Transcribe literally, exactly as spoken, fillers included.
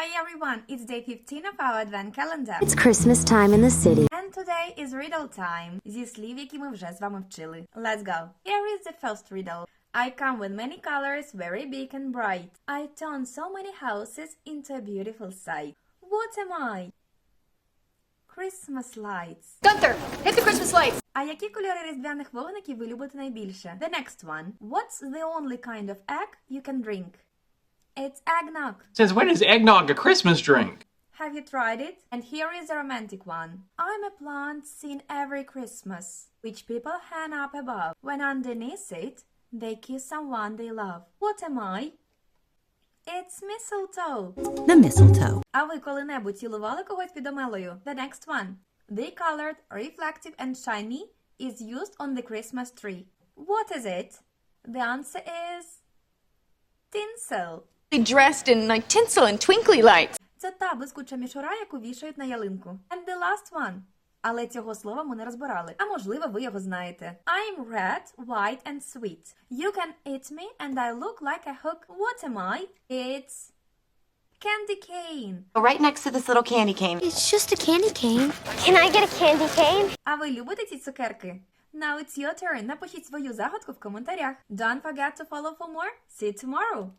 Hi everyone, it's day fifteen of our advent calendar. It's Christmas time in the city. And today is riddle time. Зі слів, які ми вже з вами вчили. Let's go. Here is the first riddle. I come with many colors, very big and bright. I turn so many houses into a beautiful sight. What am I? Christmas lights. Gunther, hit the Christmas lights. А які кольори різдвяних вогників ви любите найбільше? The next one. What's the only kind of egg you can drink? It's eggnog. Since when is eggnog a Christmas drink? Have you tried it? And here is a romantic one. I'm a plant seen every Christmas, which people hang up above. When underneath it, they kiss someone they love. What am I? It's mistletoe. The mistletoe. А ви коли-небудь цілували когось під омелою? The next one. The colored, reflective and shiny is used on the Christmas tree. What is it? The answer is tinsel. Dressed in like tinsel and twinkly lights. Це та блискуча мішура, яку вішають на ялинку. And the last one. Але цього слова ми не розбирали. А можливо, ви його знаєте. I'm red, white and sweet. You can eat me and I look like a hook. What am I? It's candy cane. Right next to this little candy cane. It's just a candy cane. Can I get a candy cane? А ви любите ці цукерки? Now it's your turn. Напишіть свою загадку в коментарях. Don't forget to follow for more. See you tomorrow.